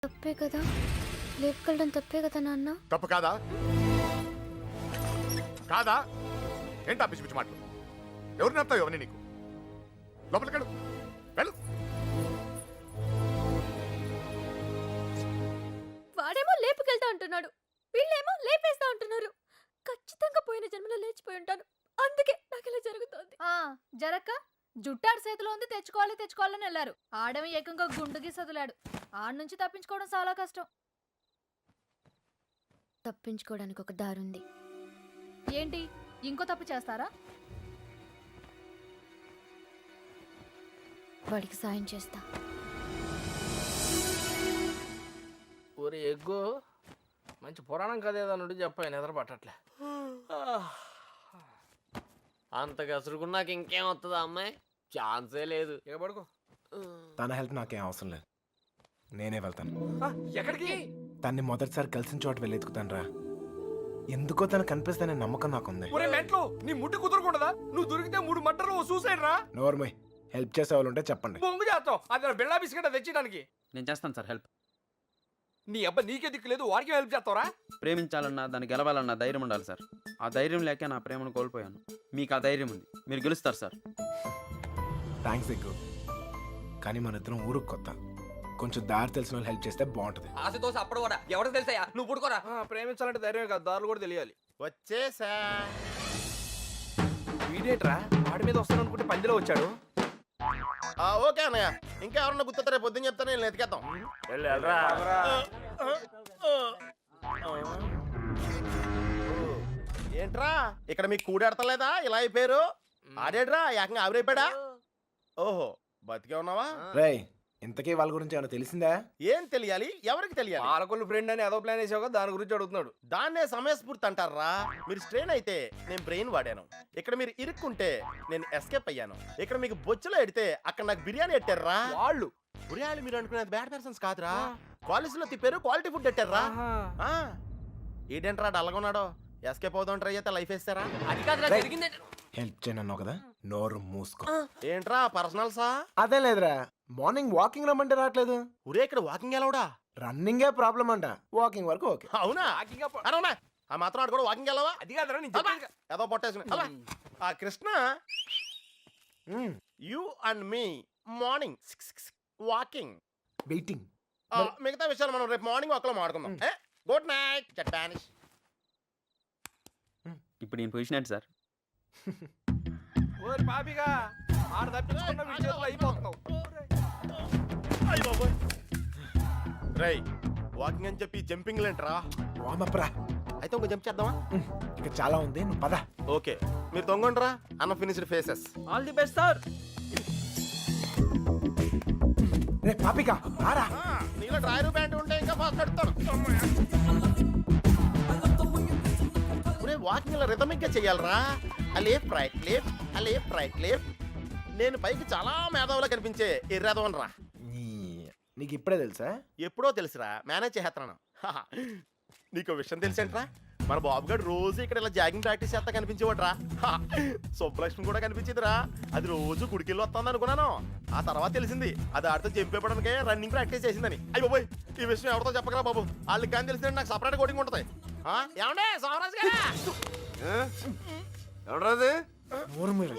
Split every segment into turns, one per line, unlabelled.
తప్పే కదా, లేపుకెళ్ళడం తప్పే కదా నాన్న.
తప్పు కాదా? కాదా? ఏంటా పిచ్చి పిచ్చి మాటలు? ఎవరు నడతావు అవన్నీ నీకు? లోపలికెళ్ళు, వెళ్ళు.
వాడేమో లేపుకెళ్తా అంటున్నాడు, వీళ్ళేమో లేపేస్తా అంటున్నారు. ఖచ్చితంగా పోయిన జన్మలో లేచిపోయి ఉంటాను, అందుకే నాకు ఇలా జరుగుతోంది.
జరక్క జుట్టాడు చేతిలో ఉంది, తెచ్చుకోవాలని వెళ్ళారు. ఆడమి ఏకంగా గుండుకి సదులాడు. ఆడ నుంచి తప్పించుకోవడం చాలా కష్టం.
తప్పించుకోవడానికి ఒక దారుంది.
ఏంటి, ఇంకో తప్పు చేస్తారా?
వాడికి సాయం చేస్తా.
ఒరే ఎగ్గు, మంచి పురాణం కథ ఏదన్నుండి చెప్పాను, నిద్ర పట్టట్లే.
అంత కసురుకున్నాక ఇంకేం వస్తుందా అమ్మాయి? ఛాన్సే లేదు.
ఇక పడుకో.
తన హెల్ప్ నాకేం అవసరం లేదు, నేనే వెళ్తాను.
ఎక్కడికి?
తన్ని మొదటిసారి కలిసిన చోట వెళ్ళి ఎత్తుకుతాను రా. ఎందుకో తను కనిపిస్తానే నమ్మకం నాకుంది.
ఒరే మెంట్లో, నీ ముట్టు కుదరకుండదా? నువ్వు దొరికితే 3 మట్టలు సూసైడ్ రా.
నోర్మయ్, హెల్ప్ చేసే వాళ్ళు ఉంటే చెప్పండి.
బొంగు చేస్తావు, అది బిళ్ళా బిస్కెట్ తెచ్చడానికి.
నేను చేస్తాను సార్ హెల్ప్.
నీ అబ్బా నీకే దిక్కు లేదు, వాడికి హెల్ప్ చేస్తావరా?
ప్రేమించాలన్నా దాన్ని గెలవాలన్నా ధైర్యం ఉండాలి సార్. ఆ ధైర్యం లేక నా ప్రేమను కోల్పోయాను. మీకు ఆ ధైర్యం ఉంది, మీరు గెలుస్తారు సార్.
థ్యాంక్స్ ఎక్కువ, కానీ మన ఇద్దరం ఊరుకు కొత్త. కొంచెం దారి తెలిసిన వాళ్ళు హెల్ప్ చేస్తే బాగుంటది.
ఆశతో అప్పుడు కూడా ఎవరికి తెలుసాయా? నువ్వు పుడుకోరా.
ప్రేమించాలంటే ధైర్యం కాదు, దారులు కూడా తెలియాలి.
వచ్చేసా.
వీడేట్రా వాడి మీద వస్తాను అనుకుంటే పందిలో వచ్చాడు.
ఓకే అన్నయ్య, ఇంకా ఎవరన్నా గుర్తుంటే రేపు పొద్దున్న చెప్తాను, నేను ఎతికేద్దాం. ఏంట్రా ఇక్కడ మీకు కూడెడతలేదా? ఇలా అయిపోయారు. ఆడేడ్రా ఏకంగా ఆవిరైపోయాడా? ఓహో, బతికే ఉన్నావా?
రేయ్, ఇంతకీ వాళ్ళ గురించి ఏమైనా తెలిసిందా?
ఏం తెలియాలి? ఎవరికి తెలియాలి?
పాలకొల్లు ఫ్రెండ్ అని ఏదో ప్లాన్ వేసావు, దాని గురించి అడుగుతున్నాడు.
దాన్నే సమయస్ఫూర్తి అంటారా? మీరు స్ట్రెయిన్ అయితే నేను బ్రెయిన్ వాడాను. ఇక్కడ మీరు ఇరుక్కుంటే నేను ఎస్కేప్ అయ్యాను. ఇక్కడ మీకు బొచ్చులో ఎడితే అక్కడ నాకు బిర్యానీ ఎట్టారా?
వాళ్ళు
బిర్యానీ మీరు అనుకునేది బ్యాడ్ పర్సన్స్ కాదురా, కాలేజీలో తిప్పారు, క్వాలిటీ ఫుడ్ ఎట్టారా? ఏంటంటారా డల్గొన్నాడో? ఎస్కేప్ అవుదాం ట్రై అయితే లైఫ్ వేస్తారా?
అది కాదురా జరిగింది.
హెల్ప్ చేయను కదా, నోరు మూసుకో.
ఏంట్రా పర్సనల్సా?
అదే లేదురా, మార్నింగ్ వాకింగ్ రమ్మంటే రావట్లేదు.
ఊరే ఇక్కడ వాకింగ్ ఎలవడా?
రన్నింగే ప్రాబ్లం అంట, వాకింగ్ వరకు ఓకే.
అవునా? అవునా? ఆ మాత్రం ఆడు కూడా వాకింగ్ వెళ్ళవా?
అది కాదురా నేను
ఏదో పొట్టేసుకుని ఆ Krishna, you and me morning walking,
waiting.
మిగతా విషయాలు మనం రేపు మార్నింగ్ ఒకలో మాట్లాడుకుందాం. గుడ్ నైట్ చట్టానిష్.
ఇప్పుడు నేను పొజిషన్ ఏంటి సార్?
ఓరి పాపిగా ఆడ తప్పించుకున్న విషయంలో అయిపోతున్నావు.
రై వాకింగ్ అని చెప్పి జంపింగ్ లేంట్రా?
వామప్రా,
అయితే ఇంకో జంప్ చేద్దామా?
ఇక చాలా ఉంది, నువ్వు పద.
ఓకే, మీరు తొంగండ్రా. అన్న finished faces.
All the best sir.
రే పాపిక, రారా.
నీలో డ్రైవర్ బ్యాండ్ ఉంటే ఇంకా ఫాస్ట్ నడుస్తాను. ఇప్పుడే వాకింగ్ ఇలా రిథమిక్ గా చెయ్యాలరా. Left right left, left right left. నేను పైకి చాలా మేధావులా కనిపించే ఎర్రదవన్ రా.
నీకు ఇప్పుడే తెలుసా?
ఎప్పుడో తెలుసురా, మేనేజ్ చేస్తున్నాను. నీకు విషయం తెలుసేంట్రా? మన బాబు గారు రోజు ఇక్కడ ఇలా జాగింగ్ ప్రాక్టీస్ చేస్తా కనిపించేవాడు రా. సుబ్బలక్ష్మి కూడా కనిపించేదిరా. అది రోజు గుడికెళ్ళి వస్తుంది అనుకున్నాను. ఆ తర్వాత తెలిసింది అది ఆడితో జంపేపడానికే రన్నింగ్ ప్రాక్టీస్ చేసిందని. అయ్యి బాబోయ్, ఈ విషయం ఎవరితో చెప్పకరా బాబు, వాళ్ళకి కానీ తెలిసిందంటే నాకు సపరేట్ కోటింగ్ ఉంటుంది. ఏమండే సోమరాజు గారు?
ఎవడరాది?
నోరు మీరు.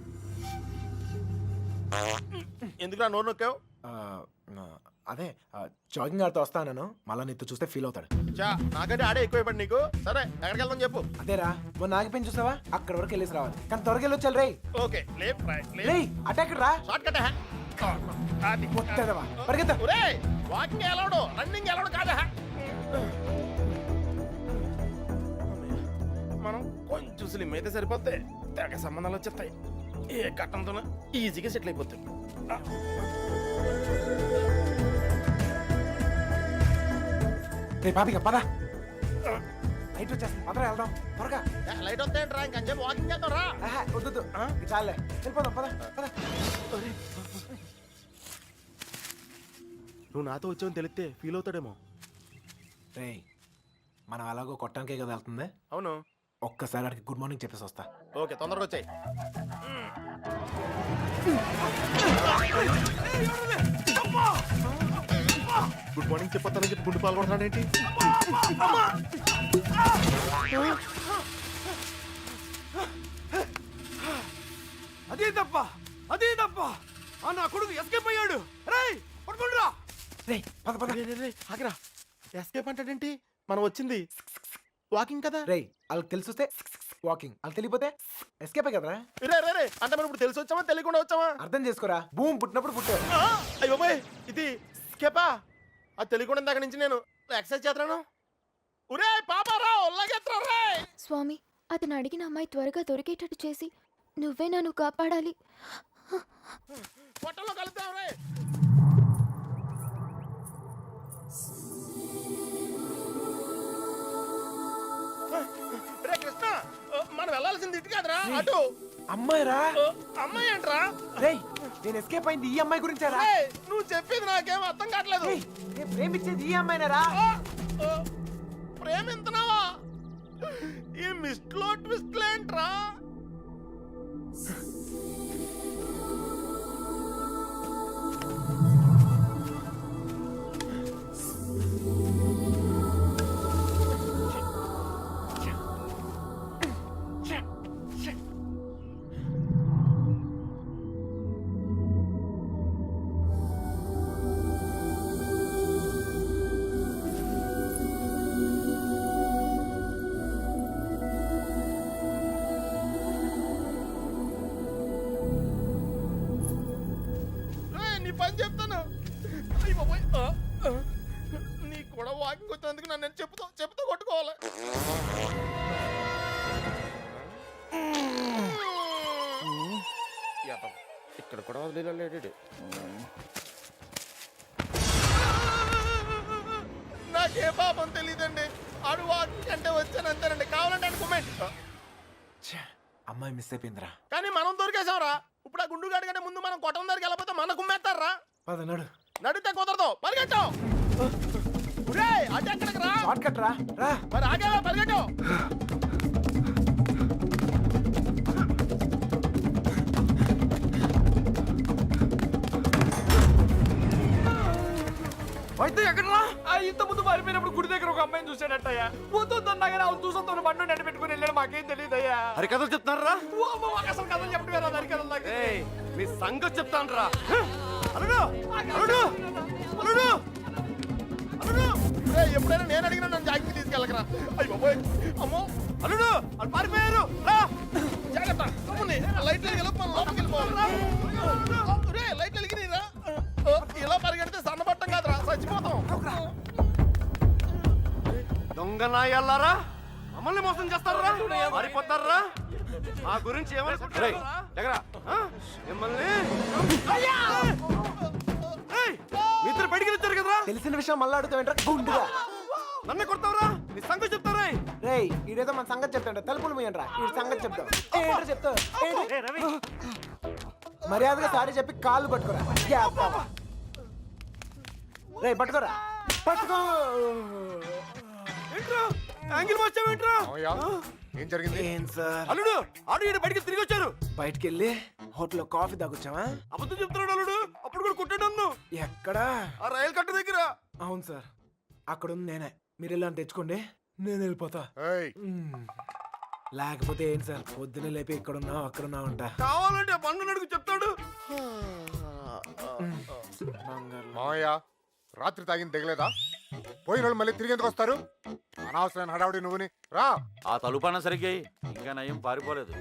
ఎందుకురా నోరు నొక్కావు?
అదే జాగింగ్ ఆడితో వస్తాను, మళ్ళా నీతో చూస్తే ఫీల్ అవుతాడు.
నాకంటే ఆడే ఎక్కువైపోయాడు నీకు. సరే ఎక్కడికి వెళ్దాం చెప్పు.
అదేరా, మొన్న ఆగిపోయి చూసావా, అక్కడ వరకు వెళ్ళేసి రావాలి, కానీ త్వరగా వెళ్ళొచ్చాలి. రే
ఓకే, లేఫ్ట్ రైట్
రే అటాక్ రా,
షార్ట్ కట్.
పరిగెత్తా.
వాకింగ్ ఎలవడు, రన్నింగ్ ఎలవడు కాదా? మనం కొంచెం స్లిమ్ అయితే సరిపోతే తెగ సంబంధాలు వచ్చేస్తాయి. ఏ కట్టంతో ఈజీగా సెటిల్ అయిపోతాయి.
రే పాపిక పద, లైట్ వచ్చేస్తుంది, పదరా వెళ్దాం త్వరగా.
లైట్ వస్తాయంట్రా, ఇంకొంచెం వాకింగ్ చేద్దాం రా.
వద్దు, చాలే వెళ్ళిపోదాం, పద పద.
నువ్వు నాతో వచ్చావని తెలిస్తే ఫీల్ అవుతాడేమో.
రే మనం అలాగో కొట్టడానికే కదా వెళ్తుంది.
అవును,
ఒక్కసారి అడిగి గుడ్ మార్నింగ్ చెప్పేసి వస్తా.
ఓకే, తొందరగా వచ్చాయి. గుడ్ మార్నింగ్ చెప్పొస్తానని చెప్పి గుండు పాల్గొంటున్నాడు ఏంటి?
అదే తప్ప నా కొడుకు ఎస్కేప్ అయ్యాడు. రేయ్ పట్టుకుంటురా. రేయ్ పద పద.
ఆగిరా, ఎస్కేప్ అంటాడేంటి? మనం వచ్చింది వాకింగ్ కదా.
రేయ్ వాళ్ళకి తెలిసి వస్తే వాకింగ్, వాళ్ళకి తెలియపోతే ఎస్కేప్ కదరా.
రే రే రే అంటే మనం ఇప్పుడు తెలిసి వచ్చామా తెలియకుండా వచ్చామా?
అర్థం చేసుకోరా, భూమి పుట్టినప్పుడు పుట్టారు.
అయ్యో బాయ్, ఇది స్కేపా? అది తెలియకుండా ఇందాక నుంచి నేను ఎక్సర్సైజ్ చేస్తున్నాను. ఒరే పాపారా ఒళ్ళగెత్తరా రే.
స్వామి, అతను అడిగిన అమ్మాయి త్వరగా దొరికేటట్టు చేసి నువ్వే నన్ను కాపాడాలి.
పొట్టలో కలుద్దాం రే. రే కృష్ణ, మనం వెళ్ళాల్సింది ఇటు కాదురా, అటు.
అమ్మాయి రా.
అమ్మాయి ఏంట్రా?
రేయ్ నేను ఎస్కేప్ అయింది ఈ అమ్మాయి గురించారా.
రేయ్, నువ్వు చెప్పేది నాకేం అర్థం కావట్లేదు.
రేయ్, నేను ప్రేమించేది ఈ అమ్మాయినేరా.
ప్రేమింతున్నావా? ఈ మిస్ట్లో ట్విస్ట్లు ఏంట్రా? నీ పని చెప్తాను. అయ్య బాబోయ్, నీకు కూడా వాకింగ్ వచ్చినందుకు నన్ను నేను చెప్పుతో కొట్టుకోవాలి. ఇక్కడ కూడా వదిలేడు. నాకే పాపం తెలియదండి. ఆడు వాకింగ్ అంటే వచ్చాను అంతేనండి. కావాలంటే అనుకోమేంటి,
అమ్మాయి మిస్ అయిపోయిందిరా.
కానీ మనం దొరికేసాంరా. ఇప్పుడు ఆ గుండు గాడి కంటే ముందు మనం కొట్టం దగ్గరికి వెళ్ళకపోతే మన కుమ్మేస్తారా?
పద నడు.
నడితే కుదరదు, పరిగెట్టావు. అటు ఎక్కడికి రా?
షార్ట్ కట్ రా. రా
మరి ఆగేవా, పరిగెట్టావు.
అయితే ఎక్కడ రా? ఇంత ముందు పారిపోయినప్పుడు గుడి దగ్గర ఒక అమ్మాయిని చూసాడట్టయ్యా. పోతుందన్నా కానీ అవును చూసొద్దు బండి నెట్టు పెట్టుకుని వెళ్ళాడు. మాకేం తెలియదయ్యా.
అరే కథలు చెప్తున్నారా?
అసలు కథలు చెప్పడం దాని కథలు నాకు
మీ సంగతి చెప్తాను రా. అల్లుడు, అల్లుడు, అల్లుడు, అల్లుడు. ఎప్పుడైనా నేను అడిగినా నన్ను జాగ్రత్త తీసుకెళ్ళకరా. అయ్యి బాబోయ్, అమ్మో అల్లుడు వాళ్ళు పారిపోయారు. రా జాగ్రత్త. లైట్ వెలిగి మనం లోపలికి వెళ్ళిపోవాలి. లైట్ వెలిగి రా. ఇలా పరిగెడితే సన్నబట్టం కాదురా, చచ్చిపోతాం. దొంగ నాయల్లారా, మమ్మల్ని మోసం చేస్తారా? మారిపోతారా? మా గురించి ఏమనుకుంటారు? మిమ్మల్ని మీ ఇద్దరు బయటికి వచ్చారు కదరా.
తెలిసిన విషయం మళ్ళీ అడుగుతావేంట్రా గుండుగా.
నన్ను కొడతావరా? నీ సంగతి చెప్తారా?
రేయ్ ఈడేదో మన సంగతి చెప్తాడు. తలుపులు మూయండ్రా, ఈ సంగతి చెప్తావు. ఏంట్రా చెప్తావు? మర్యాదగా సారీ చెప్పి కాళ్ళు పట్టుకోరా. రేయ్ పట్టుకోరా, పట్టుకో.
యాంగిల్ వచ్చావేంట్రా?
ఏం జరిగింది?
ఏం సార్?
అల్లుడు ఆడు ఈడ బయటికి తిరిగి వచ్చారు.
బయటికి వెళ్ళి హోటల్లో కాఫీ తాగొచ్చావా?
అబద్ధం చెప్తున్నాడు అల్లుడు. అప్పుడు కూడా కొట్టాడు నన్ను.
ఎక్కడా?
ఆ రైలు కట్ట దగ్గర.
అవును సార్, అక్కడ ఉంది నేనే. మీరు ఇలా తెచ్చుకోండి, నేను వెళ్ళిపోతా.
ఏయ్,
లేకపోతే ఏంటి సార్, పొద్దున లేపి ఇక్కడున్నావు అక్కడున్నావు అంట.
కావాలంటే బండు నడుగు చెప్తాడు.
మావయ్య రాత్రి తాగింది తెగలేదా? పోయిన వాళ్ళు మళ్ళీ తిరిగి ఎందుకు వస్తారు? అనవసరమైన హడావుడి నువ్వుని రా.
ఆ తలుపన్న సరిగ్గా ఇంకా నయం పారిపోలేదు.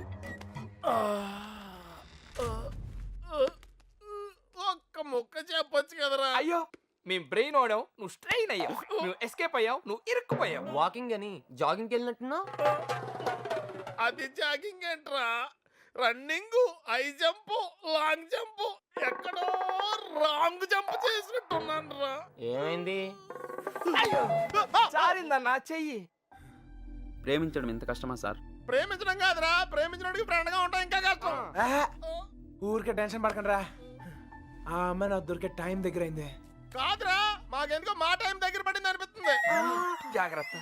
ఒక్క ముక్క చెప్పొచ్చు కదరా.
అయ్యో మేము బ్రెయిన్ ఓడావు, నువ్వు స్ట్రెయిన్ అయ్యావు. నువ్వు ఎస్కేప్ అయ్యావు, నువ్వు ఇరుక్కుపోయావు. వాకింగ్ అని జాగింగ్కి వెళ్ళినట్టున్నావు.
అది జాగింగ్ ఏంట్రా? Running, high jump, long jump, ఎక్కడో రాంగ్ జంప్ చేసినట్టున్నాను రా.
ఏమైంది? జారిందన్నా చెయ్యి.
ప్రేమించడం ఎంత కష్టమా సార్?
ప్రేమించడం కాదురా, ప్రేమించడానికి ఫ్రెండ్ గా ఉంటాం ఇంకా కష్టం.
ఊరికే టెన్షన్ పడకండి రా. ఆ అమ్మాయి నాకు దొరికే టైం దగ్గర అయింది.
కాదురా, మాకెందుకో మా టైం దగ్గర పడింది అనిపిస్తుంది.
జాగ్రత్త.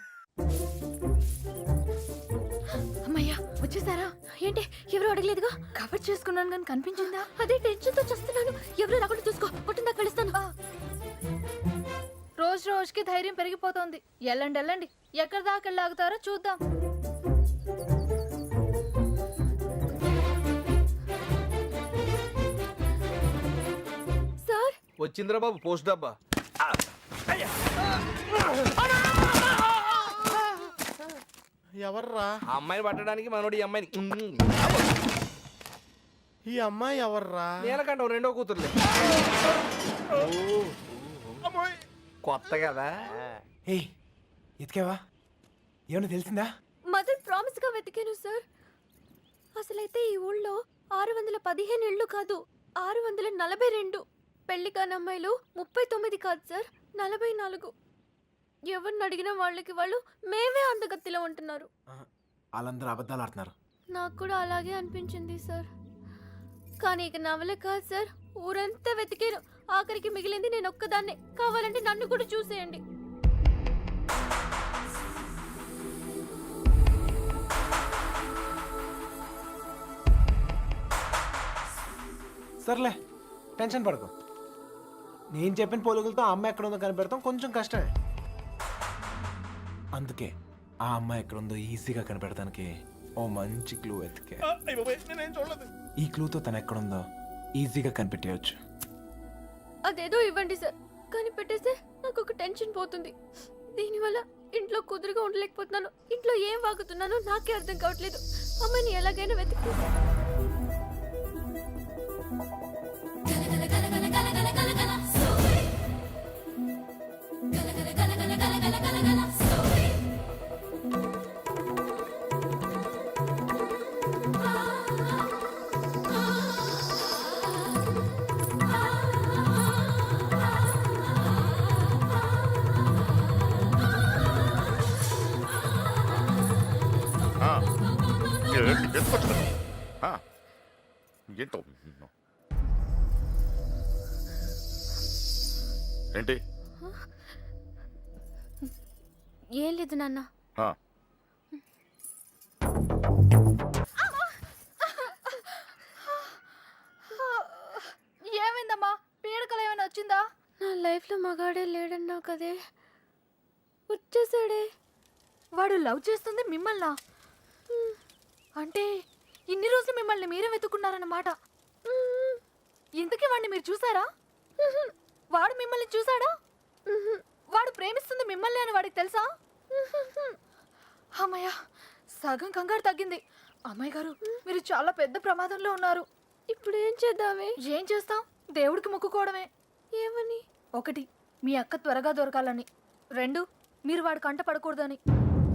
అమ్మయ్యా, వచ్చేసారా? ఏంటి ఎవరు అడగలేదుగా?
కవర్ చేసుకున్నాను కానీ కనిపించిందా?
అదే టెన్షన్ తో చూస్తున్నాను. ఎవరు రాకుండా చూసుకో, కొట్టిందాక వెళుస్తాను.
రోజు రోజుకి ధైర్యం పెరిగిపోతోంది. వెళ్ళండి వెళ్ళండి, ఎక్కడి దాకా వెళ్ళి ఆగుతారో చూద్దాం.
సార్
వచ్చిందిరా బాబు పోస్ట్ డబ్బా.
ఎవర్రా
ఆ అమ్మాయిని పట్టడానికి మనోడు ఈ అమ్మాయిని
ఈ అమ్మాయి ఎవర్రా?
నేలకంట రెండో కూతురులే. కొత్త కదా.
ఏయ్ ఎతికావా? ఏమన్నా తెలిసిందా?
మదర్ ప్రామిస్ గా వెతికాను సార్. అసలైతే ఈ ఊళ్ళో 615 ఇళ్ళు కాదు, 642. పెళ్లి కాని అమ్మాయిలు 39 కాదు సార్, 44. ఎవరిని అడిగినా వాళ్ళకి వాళ్ళు మేమే అందగత్తిలో ఉంటున్నారు.
వాళ్ళందరూ అబద్ధాలు ఆడుతున్నారు.
నాకు కూడా అలాగే అనిపించింది సార్. కానీ ఇక నవలే కాదు సార్, ఊరంతా వెతికాను. ఆఖరికి మిగిలింది నేను ఒక్కదాన్నే. కావాలంటే నన్ను కూడా చూసేయండి.
సర్లే టెన్షన్ పడకు. నేను చెప్పిన పోలుగులతో ఆ అమ్మాయి ఎక్కడ ఉందో కనిపెడతాం కొంచెం కష్టమే. అందుకే ఆ అమ్మాయి ఎక్కడ ఉందో ఈజీగా కనిపెడతానికి ఓ మంచి క్లూ ఎతికే.
నేనేం చూడలేదు.
ఈ క్లూతో తను ఎక్కడుందో ఈజీగా కనిపెట్టేయచ్చు.
అదేదో ఇవ్వండి సార్, కానీ పెట్టేస్తే నాకు ఒక టెన్షన్ పోతుంది. దీనివల్ల ఇంట్లో కుదురుగా ఉండలేకపోతున్నాను. ఇంట్లో ఏం వాగుతున్నానో నాకే అర్థం కావట్లేదు. అమ్మాయిని ఎలాగైనా వెతుకు.
ఏంటో ఏంటి?
ఏం లేదు నాన్న.
ఆ,
ఏమైందమ్మా? పీడకలు ఏమైనా వచ్చిందా?
నా లైఫ్ లో మగాడే లేడన్నా కదే, వచ్చేసాడే.
వాడు లవ్ చేస్తుంది మిమ్మల్నా? అంటే ఇన్ని రోజులు మిమ్మల్ని మీరే వెతుకున్నారన్నమాట. ఇంతకీ వాడిని మీరు చూసారా? వాడు మిమ్మల్ని చూసాడా? వాడు ప్రేమిస్తుంది మిమ్మల్ని అని వాడికి తెలుసా? అమ్మయ్య, సగం కంగారు తగ్గింది. అమ్మాయి గారు, మీరు చాలా పెద్ద ప్రమాదంలో ఉన్నారు.
ఇప్పుడు ఏం చేద్దామే?
ఏం చేస్తాం? దేవుడికి మొక్కుకోవడమే.
ఏమని?
1, మీ అక్క త్వరగా దొరకాలని. 2, మీరు వాడి కంట పడకూడదని.